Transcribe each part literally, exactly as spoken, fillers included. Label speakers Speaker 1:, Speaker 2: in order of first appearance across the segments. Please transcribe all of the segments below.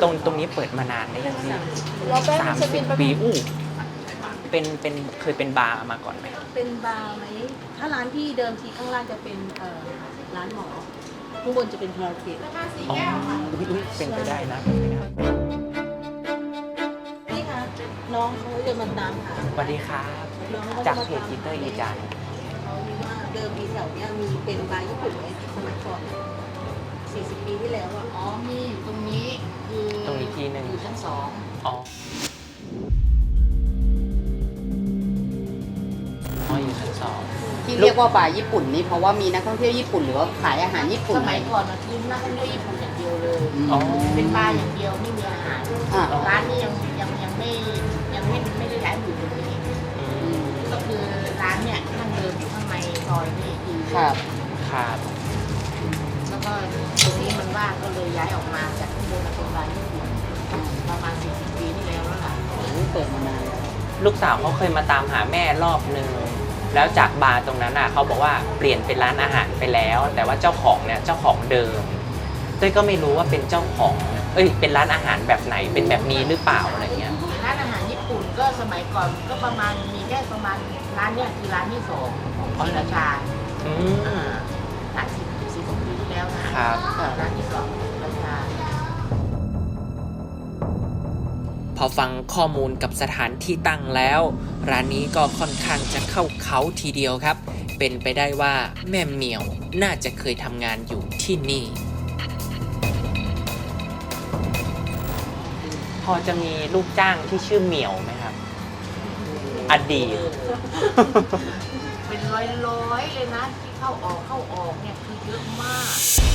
Speaker 1: ตรงตรงนี้เปิดมานานได้ยังพี่สามสิบปีอู้เป็นเป็นเคยเป็นบาร์มาก่อนไหม
Speaker 2: เป็นบาร์ไหมถ้าร้านที่เดิมทีข้างล่างจะเป็นเอ่อร้านหมอข้างบนจะเป็นคาราโอเกะ
Speaker 1: อ๋ออุ้ยเป็นไปได้นะเป็นไปได้
Speaker 2: นี่ค่ะน้องเขาจะมาตามหา
Speaker 1: สวัสดีครับจากเพจจิตเตอร์อีจาน
Speaker 2: เขามีว่าเดิมทีแถวเนี้ยมีเป็นบาร์ญี่ปุ่นไว้สมัยก่อนสี่สิบปีที่แล้วอ่ะ
Speaker 3: อ๋อมีตรงนี้คือ
Speaker 1: ตรงนี้ทีหนึ่ง
Speaker 3: อยู่ชั้นสอง
Speaker 1: อ๋ออ๋ออยู่ชั้นสอง
Speaker 4: ที่เรียกว่าบาร์ญี่ปุ่นนี่เพราะว่ามีนักท่องเที่ยวญี่ปุ่นหรือว่าขายอาหารญี่ปุ่น
Speaker 3: สมัยก่อนนะคือนักท่องเที่ยวญี่ปุ่นอย่างเดียวเลย
Speaker 1: อ๋อ
Speaker 3: เป็นบาร์อย่างเดียวไม่มีอาหารร้านนี้ยังยังยังไม่ยังไม่ไม่ได้ย้ายอยู่ตรงนี้ก็คือร้านเนี่ยท่านเดิมอยู่ข้างในซอยนี่คือ
Speaker 4: ครับ
Speaker 1: ครับ
Speaker 3: แล้วก็ตรงนี้มันว่างก็เลยย้ายออกมาจากข้างบนมาตรงร้านญี่ปุ่นประมาณสี่สิบปีที่แล้วแล้วล่ะ
Speaker 4: เปิดมานาน
Speaker 1: ลูกสาวเขาเคยมาตามหาแม่รอบนึงแล้วจากบาร์ตรงนั้นอ่ะเขาบอกว่าเปลี่ยนเป็นร้านอาหารไปแล้ว แต่ว่าเจ้าของเนี่ยเจ้าของเดิมเต้ยก็ไม่รู้ว่าเป็นเจ้าของเอ้ยเป็นร้านอาหารแบบไหนเป็นแบบนี้หรือเปล่าอะไรเงี้ย
Speaker 3: ร้านอาหารญี่ปุ่นก็สมัยก่อนก็ประมาณมีแค่ประมาณร้านเนี้ยคือร้านที่สองของศรีราชา
Speaker 1: อืม
Speaker 3: หลายสิบสิบกว่าปีที่แล้วนะครับร้านที่สองของศรีราชา
Speaker 1: พอฟังข้อมูลกับสถานที่ตั้งแล้วร้านนี้ก็ค่อนข้างจะเข้าเขาทีเดียวครับเป็นไปได้ว่าแม่เหมียวน่าจะเคยทำงานอยู่ที่นี่พอจะมีลูกจ้างที่ชื่อเหมียวไหมครับอดีต
Speaker 3: เป็นร้อยๆเลยนะที่เข้าออกเข้าออกเนี่ยคือเยอะมาก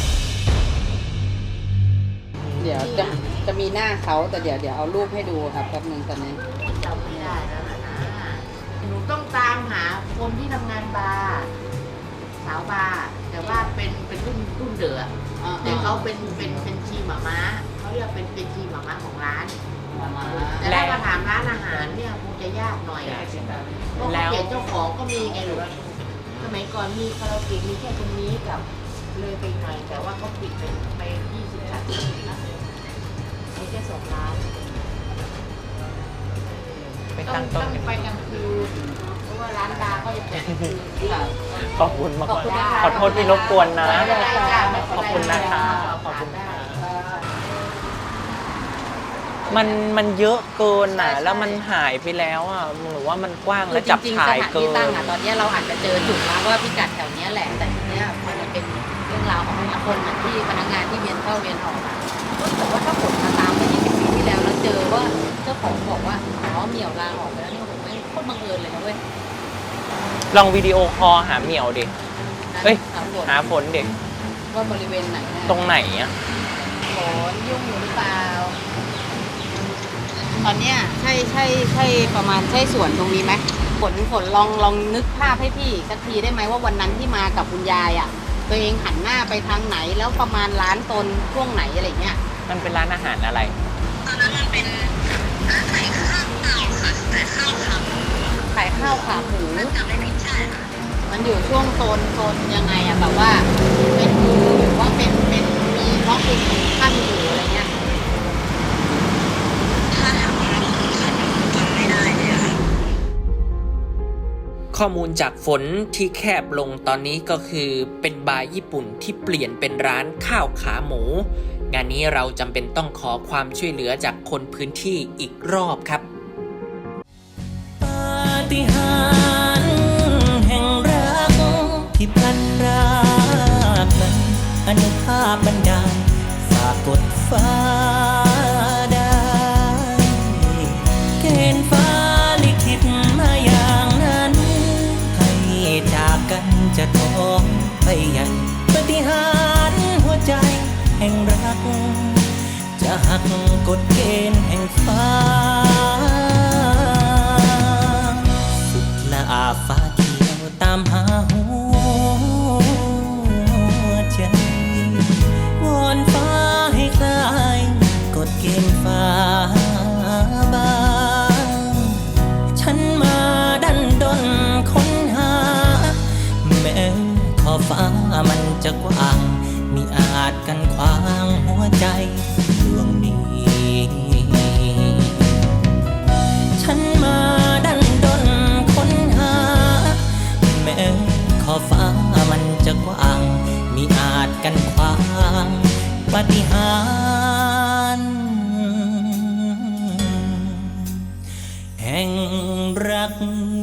Speaker 4: เดี๋ยวจะจะมีหน้าเขาแต่เดี๋ยวเดี๋ยวเอารูปให้ดูครับแป๊บนึงตอนนี้
Speaker 3: จำไม่ได้แล้วนะหนูต้องตามหาคนที่ทำงานบาร์สาวบาร์แต่ว่าเป็นเป็นรุ่นรุ่นเดือแต่เขาเป็นเป็นเป็นชีหม่าม้าเขาเรียกเป็นเป็นชีหม่าม้าของร้านแต่ถ้ามาถามร้านอาหารเนี่ยคงจะยากหน่อยเพราะเขาเปลี่ยนเจ้าของก็มีไงหนูสมัยก่อนมีคาราโอเกะมีแค่ตรงนี้กับเลยไปหน่อยแต่ว่าเขาปิดไปไปยี่สิบสามสิบแล้วมีแค่สองร้าน
Speaker 1: ไปตั้งต้น
Speaker 3: ไปกลางคืนเพราะว่าร้านบาร์ก็จะเปิดกลางคืน
Speaker 1: ขอบคุณมากขอโทษที่รบกวนนะขอบคุณนะคะขอบคุณมันมันเยอะเกินน่ะแล้วมันหายไปแล้วอ่ะหรือว่ามันกว้างและจับถ่ายเกินจริงๆสถานที่
Speaker 4: ตั้งอ่ะตอนนี้เราอาจจะเจอจุดแล้วว่าพิกัดแถวนี้แหละแต่ทีเนี้ยมันจะเป็นเรื่องราวของคนที่พนักงานที่เวียนเข้าเวียนออกแต่ว่าถ้าผลมาตามเมื่อยี่สิบปีที่แล้วแล้วเจอว่าเจ้าของบอกว่าอ๋อเหมี่ยวลาออกไปแล้วนี่ผมไม่โคตรบังเอิญเลยนะเว้ย
Speaker 1: ลองวิดีโอคอลหาเหมี่ยวดิเฮ้ยหาฝนเด็ก
Speaker 4: ว่าบริเวณไหน
Speaker 1: ตรงไหนอ่ะ
Speaker 4: ฝนยุ่งอยู่หรือเปล่าตอนเนี้ยใช่ใช่ใช่ประมาณใช่สวนตรงนี้ไหมฝนฝนลองลองนึกภาพให้พี่สักทีได้ไหมว่าวันนั้นที่มากับคุณยายอ่ะตัวเองหันหน้าไปทางไหนแล้วประมาณร้านตนช่วงไหนอะไรเงี้ย
Speaker 1: มันเป็นร้านอาหารอะไร
Speaker 4: ตอนนั้นมันเป็นร้านขายข้าวเปล่าค่ะขายข้าวขาหมูขายข้าวขาหมูจำไม่ผิดใช่ค่ะมันอยู่ช่วงโซนโซนยังไงอ่ะแบบว่าเป็นหรือว่าเป็นเป็นมีท้องถิ่นขั้นอยู่อะไรเงี้ยถ้าถามว่าขั้นจำไม่ได้เลยค่ะ
Speaker 1: ข้อมูลจากฝนที่แคบลงตอนนี้ก็คือเป็นบาร์ญี่ปุ่นที่เปลี่ยนเป็นร้านข้าวขาหมูงานนี้เราจำเป็นต้องขอความช่วยเหลือจากคนพื้นที่อีกรอบครับปาฏิหาริย์แห่งรักที่พลันรากนั้นอนุภาพบันดาลฝากกดฟ้าได้เกณฑ์ฟ้าลิขิตมาอย่างนั้นให้จากกันจะท้องไปยังปาฏิหาริย์หัวใจแห่งรักจะหักกฎเกณฑ์แห่งฟ้าสุดละอาฟ้าเขียวตามหาหัวใจวอนฟ้าให้คลายกฎเกณฑ์ฟ้าบางฉันมาดันดนค้นหาแม้ขอบฟ้ามันจะกว้างมิอาจกันขวางหัวใจดวงนี้
Speaker 5: ฟ้ามันจะกว้างมิอาจกันขวางปาฏิหาริย์แห่งรัก